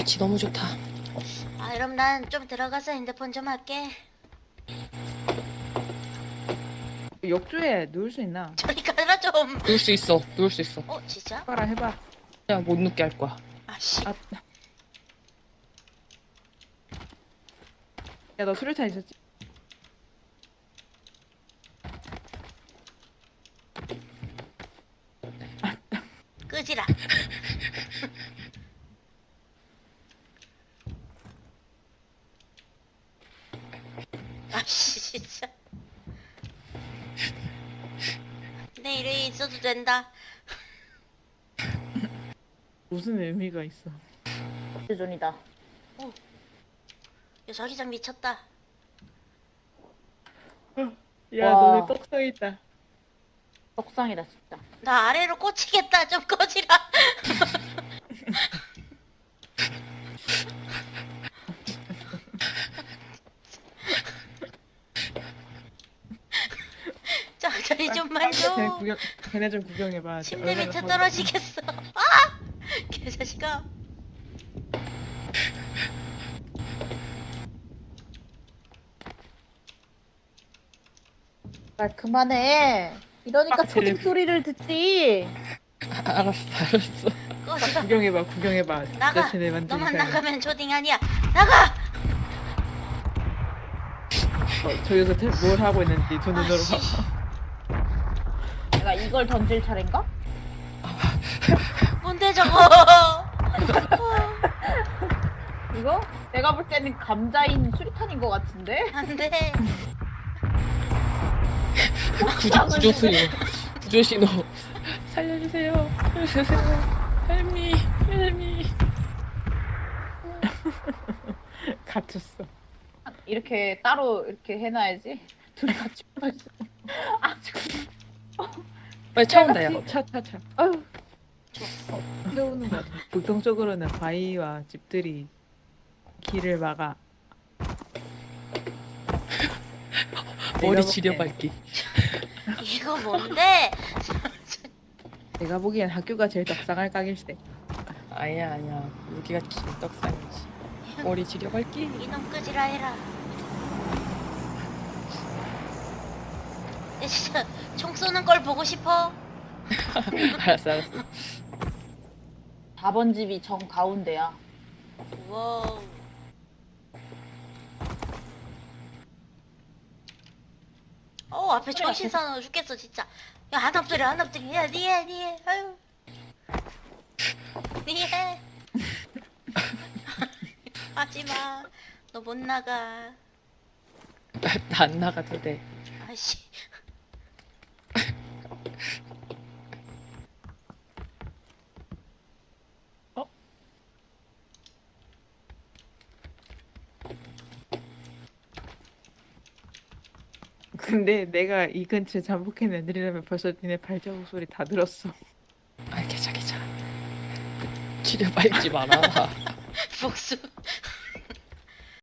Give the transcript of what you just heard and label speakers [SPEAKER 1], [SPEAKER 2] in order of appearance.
[SPEAKER 1] 위치 너무 좋다.
[SPEAKER 2] 아, 그럼 난 좀 들어가서 핸드폰 좀 할게.
[SPEAKER 3] 욕조에 누울 수 있나?
[SPEAKER 2] 저리 가라 좀.
[SPEAKER 1] 누울 수 있어. 누울 수 있어.
[SPEAKER 2] 진짜?
[SPEAKER 3] 해봐라 해봐.
[SPEAKER 1] 그냥 못 눕게 할 거야.
[SPEAKER 2] 아씨.
[SPEAKER 3] 아. 야 너 수류탄 있었지?
[SPEAKER 2] 끄지라. 아씨 진짜. 내 이름이 있어도 된다.
[SPEAKER 3] 무슨 의미가 있어?
[SPEAKER 4] 대전이다.
[SPEAKER 2] 요 자기장 미쳤다.
[SPEAKER 3] 야
[SPEAKER 4] 와.
[SPEAKER 3] 너네 떡상 있다.
[SPEAKER 4] 떡상이다 진짜.
[SPEAKER 2] 나 아래로 꽂히겠다. 좀 꺼지라. 자, 저리 좀만 줘.
[SPEAKER 3] 걔네 좀 구경해봐.
[SPEAKER 2] 침대 밑에
[SPEAKER 3] 얼마나
[SPEAKER 2] 떨어지겠어. 아! 개자식아.
[SPEAKER 4] 말 그만해. 이러니까
[SPEAKER 3] 빡치네.
[SPEAKER 4] 초딩 소리를 듣지.
[SPEAKER 1] 알았어, 알았어.
[SPEAKER 2] 꺼지라.
[SPEAKER 3] 구경해봐.
[SPEAKER 2] 나가.
[SPEAKER 3] 진짜 쟤네 완전
[SPEAKER 2] 너만
[SPEAKER 3] 이상해.
[SPEAKER 2] 나가면 초딩 아니야. 나가.
[SPEAKER 3] 저기서 뭘 하고 있는지 두 눈으로
[SPEAKER 2] 아씨.
[SPEAKER 3] 봐.
[SPEAKER 4] 내가 이걸 던질 차례인가?
[SPEAKER 2] 뭔데 저거?
[SPEAKER 4] 이거? 내가 볼 때는 감자인 수리탄인 것 같은데?
[SPEAKER 2] 안돼.
[SPEAKER 1] 구조 신호. 구조 신호. 살려주세요. 살려주세요. 헬미, 헬미.
[SPEAKER 3] 갇혔어.
[SPEAKER 4] 이렇게 따로 이렇게 해놔야지. 둘이 같이 붙어있어. 아,
[SPEAKER 1] 빨리 차 온다, 야.
[SPEAKER 3] 차.
[SPEAKER 4] 아유,
[SPEAKER 3] 세우는 거 같아. 북동쪽으로는 바위와 집들이 길을 막아.
[SPEAKER 1] 머리
[SPEAKER 3] 내가
[SPEAKER 1] 지려밟기.
[SPEAKER 2] 이거 뭔데?
[SPEAKER 3] 내가 보기엔 학교가 제일 떡상할 각일세.
[SPEAKER 1] 아니야, 아니야. 여기가 진짜 떡상이지. 머리 지려밟기.
[SPEAKER 2] 이놈 끄지라 해라. 내 진짜 총 쏘는 걸 보고 싶어.
[SPEAKER 1] 알았어.
[SPEAKER 4] 4번 집이 정 가운데야.
[SPEAKER 2] 와우. 앞에 정신 사나워 죽겠어 진짜. 야, 한 엎드려. 야, 니해. 아유. 니해. 하지마. 너 못 나가.
[SPEAKER 1] 나 안 나가도 돼.
[SPEAKER 2] 아씨.
[SPEAKER 3] 근데 내가 이 근처에 잠복했는 애들이라면 벌써 니네 발자국 소리 다 들었어.
[SPEAKER 1] 아, 괜찮아. 지려밟지 마라.
[SPEAKER 2] 복수.